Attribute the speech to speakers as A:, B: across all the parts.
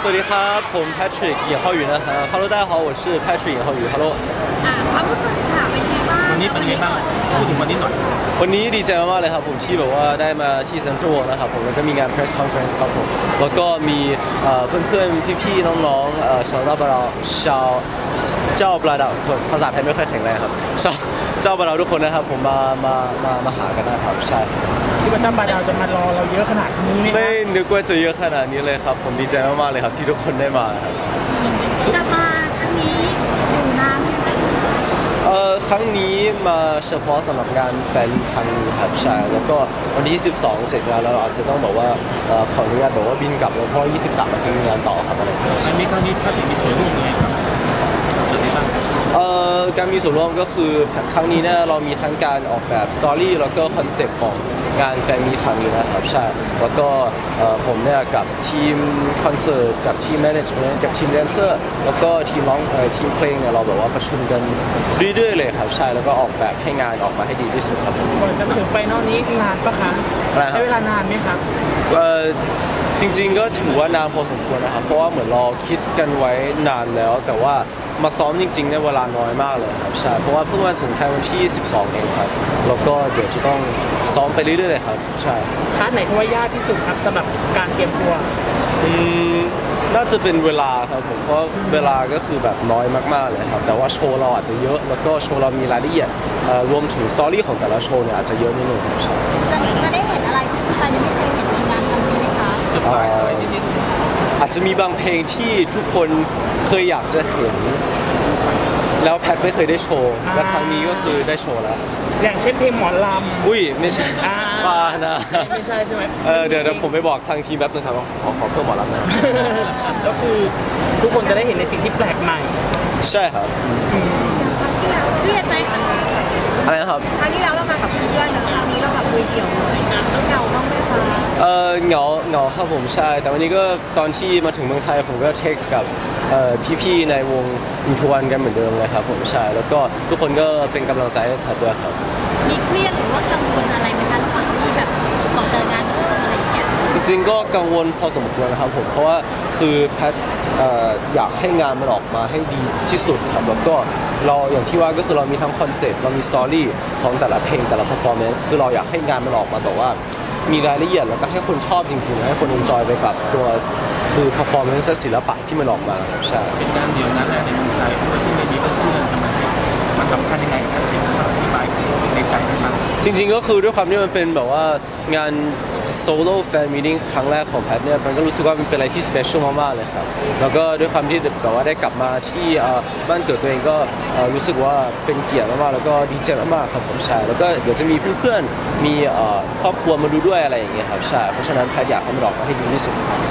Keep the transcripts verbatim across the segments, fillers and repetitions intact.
A: สวัสดีครับผม Patrick เหยียเข้าอยู่นะครับ Hello 大家好我是 Patrick เหยียเข้าอยู่ Hello
B: อ่าความรู้สึกค่ะเป็นไงบ้าง
C: วันนี้เป็นยังไงบ้างพูดถึงวันนี้หน่อย
A: วันนี้ดีใจมากๆเลยครับผมที่แบบว่าได้มาที่ Central World นะครับผมแล้วก็มีงาน press conference ครับผมแล้วก็มีเอ่อเพื่อนๆพี่ๆน้องๆเอ่อชาวบาราชาวเจ้าบราดาวภาษาไทยไม่ค่อยแข็งแรงครับชาวเจ้าบราดาวทุกคนนะครับผมมามามามาหากันนะครับใช่
D: ที่ว่าเจ้าบาดาวจะมารอเราเยอะขนาดนี้ไหม
A: ไม่นึกว่าจะเยอะขนาดนี้เลยครับผมดีใจมากๆเลยครับที่ทุกคนได้มาครับ
B: กลับมาครั้งนี้อยู่นานไหม
A: เอ่อครั้งนี้มาเฉพาะสำหรับงานแฟนมีตครั้งนี้ครับใช่แล้วก็วันที่สิบสองเสร็จงานแล้วเราอาจจะต้องบอกว่าเอ่อขออนุญาตบอกว่าบินกลับแล้วเพราะยี่สิบสามมันจะมีงานต่อครับอะไรอย่างเงี้ย
C: อันนี้ครั้งนี้พระเอกมีส่วนร่วมยังไงครับส่วนที่บ้าง
A: เอ่อการมีส่วนร่วมก็คือครั้งนี้เนี่ยเรามีทั้งการออกแบบสตอรี่แล้วก็คอนเซ็ปต์ของงานแฟนมีตครั้งนี้นะครับใช่แล้วก็เอ่อผมเนี่ยกับทีมคอนเสิร์ตกับทีมแมネจเมนต์กับทีมแดนเซอร์แล้วก็ทีมร้องเอ่อทีมเพลงเนี่ยเราแบบว่าประชุมกันเรื่อยๆเลยครับใช่แล้วก็ออกแบบให้งานออกมาให้ดีที่สุดครับผม
D: ก่อนจะมาถึงไฟนอลนี้นานปะคะ
A: อะไรครับ
D: ใช้เวลานานไหมครับ
A: เอ่อจริงๆก็ถือว่านานพอสมควรนะครับเพราะว่าเหมือนเราคิดกันไว้นานแล้ว แต่ว่ามาซ้อมจริงๆเนี่ยเวลาน้อยมากเลยครับใช่เพราะว่าเพิ่งมาถึงแค่วันที่สิบสองเองครับแล้วก็เดี๋ยวจะต้องซ้อมไปเรื่อยๆเลยครับใช่
D: พาร์ทไหนที่ว่ายากที่สุดครับสำหรับการเตรียมตัว
A: อืมน่าจะเป็นเวลาครับผมเพราะเวลาก็คือแบบน้อยมากๆเลยครับแต่ว่าโชว์เราอาจจะเยอะแล้วก็โชว์เรามีรายละเอียดเอ่อรวมถึงสตอรี่ของแต่ละโชว์เนี่ยอาจจะเยอะนิดนึงครับใช่
B: จะจะได้เห็นอะไรที่คุณปายยังไม่เคยเห็นในงานครั้งนี้ไหมคะ
C: เซอร์ไพรส์อะไรนิด
A: อาจจะมีบางเพลงที่ทุกคนเคยอยากจะเห็นแล้วแพทไม่เคยได้โชว์และครั้งนี้ก็คือได้โชว์แล้ว
D: อย่างเช่นเพลงหมอล
A: อุ้ยไม่ใช่
D: อ่า
A: บ้านะ
D: ำไม่ใช่ใช่ไหม
A: เออเดี๋ยวเดี๋ยวผมไปบอกทางทีมแป๊บนึงครับขอขอเพิ่มหมอลำหนะ
D: ก็คือทุกคนจะได้เห็นในสิ่งที่แปลกใหม่
A: ใช่ครับ
B: เครียดไหมคะ
A: อะไรนะครับ
E: ครั้งที่แล้วเรามากับเพื่อนนะครั้งนี้เราแบบคุยเดี่ยวเลยเหงาบ้างไหมคะ
A: เออเหงาเหงาครับผมใช่ แต่วันนี้ก็ตอนที่มาถึงเมืองไทยผมก็เท็กซ์กับเอ่อพี่ๆในวงอินทวันกันเหมือนเดิมเลยครับผมใช่แล้วก็ทุกคนก็เป็นกำลังใจให้แพทด้วยครับ
B: มีเครียดหรือว่ากังวลอะไรไหมคะระหว่างที่แบบต่อเจองานเพิ่มอะไรอย่างเงี้ย
A: จริงๆก็กังวลพอสมควรนะครับผมเพราะว่าคือแพทเอ่ออยากให้งานมันออกมาให้ดีที่สุดครับแล้วก็เราอย่างที่ว่าก็คือเรามีทั้งคอนเซ็ปต์เรามีสตอรี่ของแต่ละเพลงแต่ละ performance คือเราอยากให้งานมันออกมาแบบว่ามีรายละเอียดแล้วก็ให้คนชอบจริงๆให้คน enjoy ไปกับตัวคือ performance และศิลปะที่มันออกมาครับใช่
C: ๆเป็นงานเดียวนั้นแหละในเมืองไทยที่ไม่มีเพื่อนๆทำไมมันสำคัญยังไงครับที่มันอธิบายในใจมัน
A: จริงๆก็คือด้วยความที่มันเป็นแบบว่างานโซโล่แฟนมีติ้งครั้งแรกของแพทเนี่ยมันก็รู้สึกว่ามันเป็นอะไรที่สเปเชียลมากๆเลยครับแล้วก็ด้วยความที่แบบว่าได้กลับมาที่เอ่อบ้านเกิดตัวเองก็เอ่อรู้สึกว่าเป็นเกียรติมากๆแล้วก็ดีใจมากๆครับผมใช่แล้วก็เดี๋ยวจะมีเพื่อนๆมีเอ่อครอบครัวมาดูด้วยอะไรอย่างเงี้ยครับใช่เพราะฉะนั้นแพทอยากให้มันออกมาให้ดีที่สุดครับ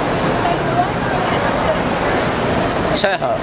A: ใช่ครับ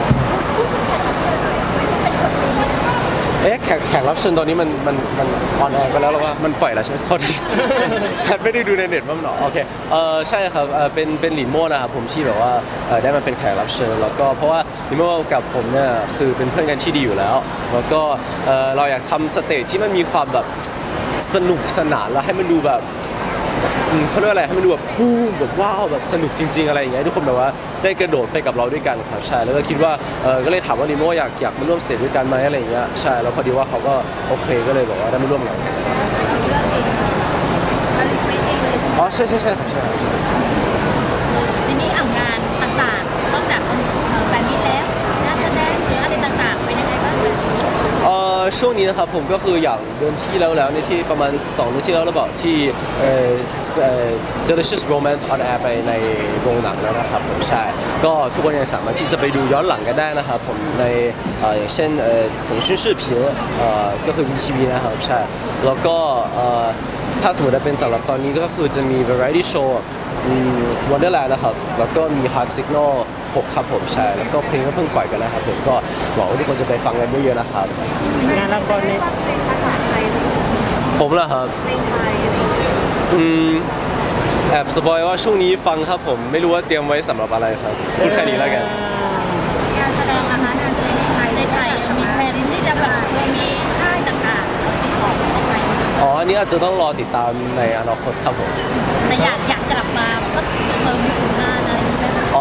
A: เอ๊ะแขกแขกรับเชิญตอนนี้มันมันมันออนแอร์ไปแล้วหรือว่ามันปล่อยแล้วใช่ไหมโทษที แพทไม่ได้ดูในเน็ตว่ามันออกโอเคเออใช่ครับเออเป็นเป็นหลินโม่นะครับผมที่แบบว่าเออได้มาเป็นแขกรับเชิญแล้วก็เพราะว่าหลินโม่กับผมเนี่ยคือเป็นเพื่อนกันที่ดีอยู่แล้ว แล้วก็เออเราอยากทำสเตจที่มันมีความแบบสนุกสนานแล้วให้มันดูแบบอืมเขาเรียกว่าอะไรให้มันดูแบบปูมแบบว้าวแบบสนุกจริงๆอะไรอย่างเงี้ยให้ทุกคนแบบว่าได้กระโดดไปกับเราด้วยกันครับใช่แล้วก็คิดว่าเออก็เลยถามว่าลิโม่อยากอยากมาร่วมสเตจด้วยกันไหมอะไรอย่างเงี้ยใช่แล้วพอดีว่าเขาก็โอเคก็เลยบอกว่าได้มาร่วมงาน
B: เรื่องเองเราลิไม่เองเลย
A: อ๋อใช่ใช่ใช่ครับใช่
B: ทีนี้อ่างานต่างๆนอกจากแฟนมิตแล้วงานแสดงหรืออะไรต่างๆเป็นยังไงบ้าง
A: เอ่อช่วงนี้นะครับผมก็คืออย่างเดือนที่แล้วแล้วในที่ประมาณสองเดือนที่แล้วหรือเปล่าที่เอ่อเอ่อ Delicious Romance on Air ไปในโรงหนังแล้วนะครับผมใช่ก็ทุกคนยังสามารถที่จะไปดูย้อนหลังกันได้นะครับผมในเอ่ออย่างเช่นเอ่อ腾讯视频เอ่อก็คือ วี ที วี นะครับใช่แล้วก็เอ่อถ้าสมมติว่าเป็นสำหรับตอนนี้ก็คือจะมี variety show อืม Wonderland นะครับแล้วก็มี Heart Signal หกครับผมใช่แล้วก็เพลงก็เพิ่งปล่อยกันนะครับผมก็หวังว่าทุกคนจะไปฟังกันเยอะๆนะครับ
D: งานละครใน
E: เป็นภาษาไทย
A: ผมเหรอครับ
E: เพลงไทยอะไรอย่างเงี้ย
A: อืมแอบสปอยว่าช่วงนี้ฟังครับผมไม่รู้ว่าเตรียมไว้สำหรับอะไรครับพูดแค่นี้แล้วกัน
B: งานแสดงนะคะงานแสดงในไทยในไทยมีแผนที่จะแบบมีค่ายต่างๆติดต่อเข้าไป
A: อ๋ออันนี้อาจจะต้องรอติดตามในอนาคตครับผม
B: แต่อยากอยากกลับมาสักเติมผลงานอะไรอย่างเงี้ย
A: อ๋อ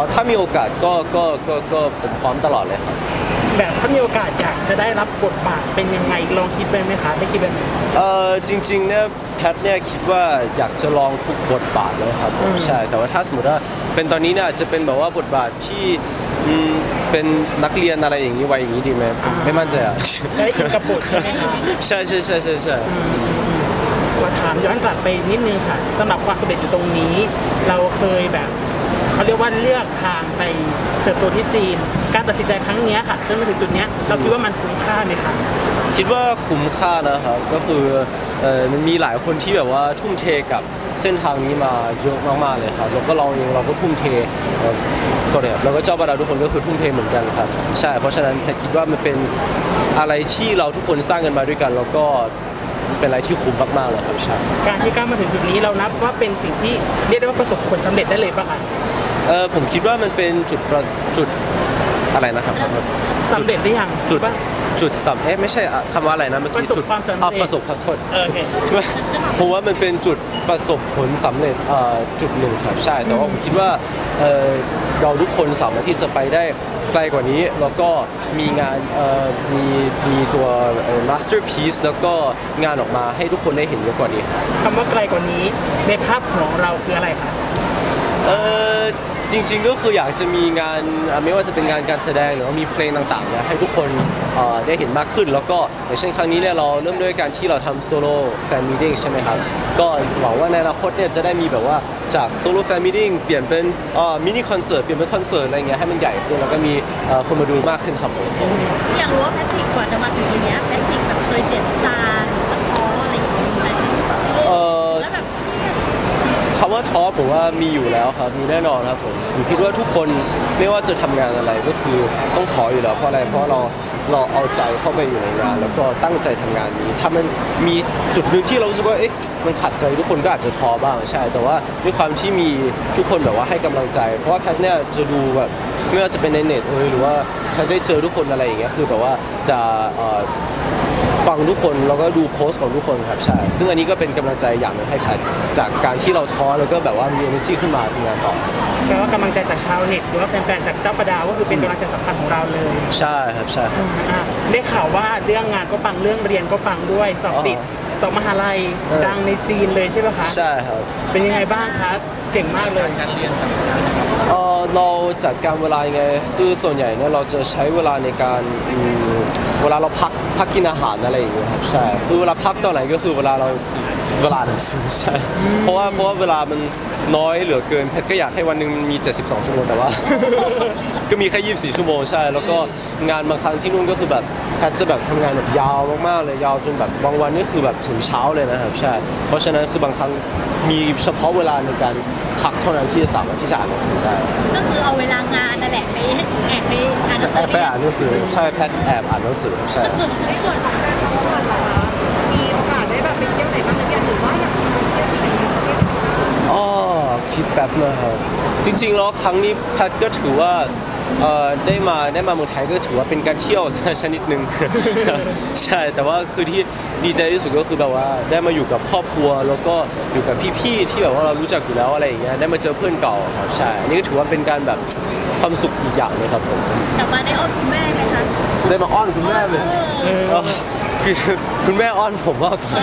A: ถ้ามีโอกาสก็ก็ก็ก็ผมพร้อมตลอดเลยครับ
D: แบบถ้ามีโอกาสอยากจะได้รับบทบาทเป็นยังไงลองคิดไปไหมคะได้คิดไปไหม
A: เออจริงๆเนี่ยแพทเนี่ยคิดว่าอยากจะลองทุกบทบาทเลยครับผมใช่แต่ว่าถ้าสมมติว่าเป็นตอนนี้เนี่ยอาจจะเป็นแบบว่าบทบาทที่อืมเป็นนักเรียนอะไรอย่างนี้ไว้อย่างนี้ดีไหมผมไม่มั่นใจอ่ะ
D: จะได้อินกับบทใช่ไหมคะ
A: ใช่ใช่ใช่ใช่ใช่
D: ขอถามย้อนกลับไปนิดนึงค่ะสำหรับความสำเร็จอยู่ตรงนี้ เราเคยแบบเขาเรียกว่าเลือกทางไปเติบโตที่จีน การตัดสินใจครั้งเนี้ยค่ะจนมาถึงจุดเนี้ยเราคิดว่ามันคุ้มค่าไหมคะ
A: คิดว่าคุ้มค่านะครับก็คือเออมันมีหลายคนที่แบบว่าทุ่มเทกับเส้นทางนี้มาเยอะมากๆเลยครับแล้วก็เราเองเราก็ทุ่มเทเอ่อก็เนี่ยแล้วก็เจ้าบาดาทุกคนก็คือทุ่มเทเหมือนกันครับใช่เพราะฉะนั้นแพทคิดว่ามันเป็นอะไรที่เราทุกคนสร้างกันมาด้วยกัน แล้วก็เป็นอะไรที่คุ้มมากๆเลยครับใช่
D: การที่ก้าวมาถึงจุดนี้เรานับว่าเป็นสิ่งที่เรียกได้ว่าประสบผลสำเร็จได้เลยป่ะคะ
A: เออผมคิดว่ามันเป็นจุดประจุดอะไรนะครับ
D: สำเร็จหรือยัง
A: จุด
D: ว่า
A: จุดสำเอ๊ะไม่ใช่อ่ะคำว่าอะไรนะเมื่อกี้
D: ประสบ
A: จุด
D: ความสำเร็จ
A: อ่ะประสบขอโทษ
D: เออโอเค
A: ผมว่ามันเป็นจุดประสบผลสำเร็จเอ่อจุดหนึ่งครับใช่แต่ว่าผมคิดว่าเอ่อเราทุกคนสามารถที่จะไปได้ไกลกว่านี้ แล้วก็มีงานเอ่อมีมีตัวเอ่อ masterpiece แล้วก็งานออกมาให้ทุกคนได้เห็นเยอะกว่านี้ครับ
D: คำว่าไกลกว่านี้ในภาพของเราคืออะไรคะ
A: เออจริงๆก็คืออยากจะมีงานอ่ะไม่ว่าจะเป็นงานการแสดงหรือว่ามีเพลงต่างๆเนี่ยให้ทุกคนเอ่อได้เห็นมากขึ้น แล้วก็อย่างเช่นครั้งนี้เนี่ยเราเริ่มด้วยการที่เราทำโซโล่แฟนมีติ้งใช่ไหมครับก็หวังว่าในอนาคตเนี่ยจะได้มีแบบว่าจากโซโล่แฟนมีติ้งเปลี่ยนเป็นมินิคอนเสิร์ตเปลี่ยนเป็นคอนเสิร์ตอะไรเงี้ยให้มันใหญ่ขึ้นแล้วก็มีเอ่อคนมาดูมากขึ้นครับผม
B: อยากรู้ว่าแพทริกกว่าจะมาถึงตรงเนี้ยแพทริกแบบเคยเสียน้ำตาตัดพ้ออะไรอย่างเงี้ยไหม
A: เอ่อ
B: แล้วแบบ
A: คำว่าท้อผมว่ามีอยู่แล้วครับมีแน่นอนครับผมผมคิดว่าทุกคนไม่ว่าจะทำงานอะไรก็คือต้องท้ออยู่แล้วเพราะอะไรเพราะเราเราเอาใจเข้าไปอยู่ในงาน แล้วก็ตั้งใจทำงานนี้ถ้ามันมีจุดหนึ่งที่เรารู้สึกว่าเอ๊ะมันขัดใจทุกคนก็อาจจะท้อบ้างใช่ แต่ว่าด้วยความที่มีทุกคนแบบว่าให้กำลังใจ เพราะว่าแพทเนี่ยจะดูแบบไม่ว่าจะเป็นในเน็ตเอยหรือว่าแพทได้เจอทุกคนอะไรอย่างเงี้ยคือแบบว่าจะเอ่อ ฟังทุกคนแล้วก็ดูโพสต์ของทุกคนครับใช่ซึ่งอันนี้ก็เป็นกำลังใจอย่างหนึงให้แพทจากการที่เราท้อแล้วก็แบบว่ามี energy ขึ้นมาทำงานต่อ
D: แปลว่ากำลังใจจากชาวเน็ตหรือว่าแฟนๆจากเจ้าประดาก็คือเป็นกำลังใจสำคัญของเราเลย
A: ใช่ครับใช่
D: อ่ะได้ข่าวว่าเรื่องงานก็ปังเรื่องเรียนก็ปังด้วยสอบติด
A: อ๋อ
D: สอบมหาลัย
A: เออ
D: ดังในจีนเลยใช่ไหมคะ
A: ใช่ครับ
D: เป็นยังไงบ้างคะเก่งมากเลย
C: การเรียนต่าง
A: เออเราจัดการเวลายังไงคือส่วนใหญ่เนี่ยเราจะใช้เวลาในการอืมเวลาเราพักพักกินอาหารอะไรอย่างเงี้ยครับใช่คือเวลาพักตอนไหนก็คือเวลาเราเวลาหนังสือใช่เพราะว่าเพราะว่าเวลามันน้อยเหลือเกินแพทก็อยากให้วันหนึ่งมันมี เจ็ดสิบสอง ชั่วโมงแต่ว่า ก็มีแค่ ยี่สิบสี่ ชั่วโมงใช่ แล้วก็งานบางครั้งที่นู่นก็คือแบบแพทจะแบบทำงานแบบยาวมากๆเลยยาวจนแบบบางวันนี่คือแบบถึงเช้าเลยนะครับใช่เพราะฉะนั้นคือบางครั้งมีเฉพาะเวลาในการพักเท่านั้นที่จะสามารถที่จะอ่านหนังสือได้
B: ก็คือเอาเวลางานนั่นแหละไปแอบไปอ่านหนัง
A: แอ
B: สือบ
A: ไปอ่านหนังสือใช่แพทแอบอ่านหนังสือใช่
E: ในส่วนของการทำงานล่ะคะมีโอกาสได้แบบไปเที่ยวไหนบ้างหรือยังหรือว่าอยากจะไปเที่ยวที่ไหนในประเทศไทย
A: อ๋อคิดแป๊บนะครับจริงๆแล้วครั้งนี้แพทก็ถือว่าเอ่อได้มาได้มาเมืองไทยก็ถือว่าเป็นการเที่ยว ชนิดหนึ่ง ใช่แต่ว่าคือที่ดีใจที่สุดก็คือแบบว่าได้มาอยู่กับครอบครัว แล้วก็อยู่กับพี่ๆที่แบบว่าเรารู้จักอยู่แล้วอะไรอย่างเงี้ยได้มาเจอเพื่อนเก่าครับใช่อันนี้ก็ถือว่าเป็นการแบบความสุขอีกอย่างเลยครับผม
B: กลับมาได้อ้อนคุณแม่ไหมคะ
A: ได้มาอ้อนคุณแม่เลย
B: เออ
A: เออคือคุณแม่อ้อนผมมากกว่า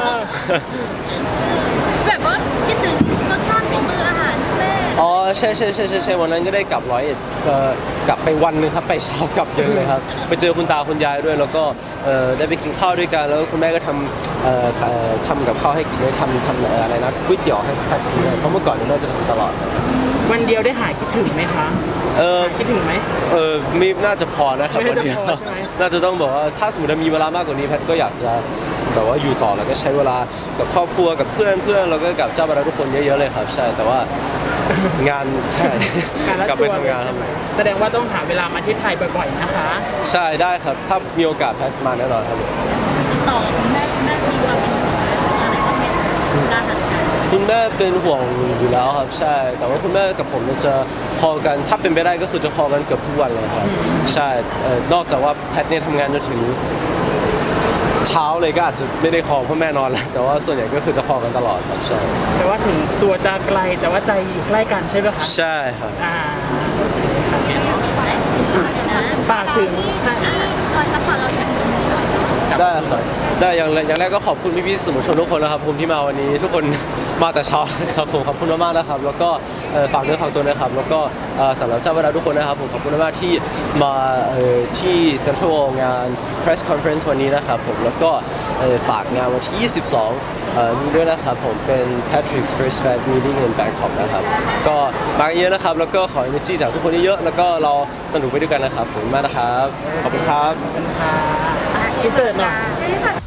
B: แบบว่าคิดถึงรสชาติฝีมืออาหารคุณแม่
A: อ๋อใช่ใช่ใช่ใช่ใช่วันนั้นก็ได้กลับร้อยเอ็ดเอ่อกลับไปวันหนึงครับไปเช้ากลับเย็นเลยครับไปเจอคุณตาคุณยายด้วย แล้วก็เอ่อได้ไปกินข้าวด้วยกันแล้วคุณแม่ก็ทำเอ่อเอ่อทำกับข้าวให้กินได้ทำทำเอ่ออะไรนะก๋วยเตี๋ยวให้แพทกินด้วยเพราะเมื่อก่อนเนี่ยแม่จะทำตลอด
D: วันเดียวได้หายคิดถึงไหมคะ
A: เออ
D: หายคิดถึงไหม
A: เออมีน่าจะพอนะครับ
D: ไม่
A: วัน
D: น่าจะ
A: เดียว
D: พอใช่ไหม
A: น่าจะต้องบอกว่าถ้าสมมติว่ามีเวลามากกว่านี้แพทก็อยากจะแบบว่าอยู่ต่อแล้วก็ใช้เวลากับครอบครัวกับเพื่อนเพื่อนแล้วก็กับเจ้าบรรดาทุกคนเยอะๆเลยครับใช่แต่ว่างานใช่
D: งานละ
A: กลับ
D: ตั
A: ไป
D: วเล
A: ทำ
D: ย
A: งานค
D: ใช่
A: รับ
D: ไหมแสดงว่าต้องหาเวลามาที่ไทยบ่อยๆนะคะ
A: ใช่ได้ครับ ถ้ามีโอกาสแพทมาแน่นอนครับ
B: ติดต่อคุณแม่คุณแม่มีความเป็นอะไรบ้างไหมการหันกัน
A: คุณแม่เป็นห่วงอยู่แล้วครับใช่ แต่ว่าคุณแม่กับผมเนี่ยจะคอลกันถ้าเป็นไปได้ก็คือจะคอลกันเกือบทุกวันเลยครับใช่เอ่อนอกจากว่าแพทเนี่ยทำงานจนถึงเช้าเลยก็อาจจะไม่ได้คอเพราะแม่นอนแล้วแต่ว่าส่วนใหญ่ก็คือจะคอกันตลอดครับใช่
D: แต่ว่าถึงตัวจะไกลแต่ว่าใจอยู่ใกล้กันใช่ไหมคะ
A: ใช่ครับ
D: อ่า
B: นะ
D: ฝากถึงใช่
B: ที่คอยซัพพอร์ตเราอยู่ตรงนี้หน่อย
A: ได้ครับได้อย่างแรกอย่างแรกก็ขอบคุณพี่ๆสื่อมวลชนทุกคนนะครับผมที่มาวันนี้ทุกคนมาแต่เช้านะครับผมขอบคุณมากๆนะครับแล้วก็เอ่อฝากเนื้อฝากตัวนะครับแล้วก็เอ่อสำหรับเจ้าเวลาทุกคนนะครับผมขอบคุณมากๆที่มาเอ่อที่เซ็นทรัลงาน press conference วันนี้นะครับผมแล้วก็เอ่อฝากงานวันที่ยี่สิบสองเอ่อนี้ด้วยนะครับผมเป็น Patrick's First Fan Meeting in Bangkok นะครับก็มากันเยอะนะครับแล้วก็ขอ energy จากทุกคนเยอะๆแล้วก็เราสนุกไปด้วยกันนะครับผมมากนะครับขอบคุณครับ
D: เป็นค่ะอินเสิร์ตหน่อย
B: ที่สัต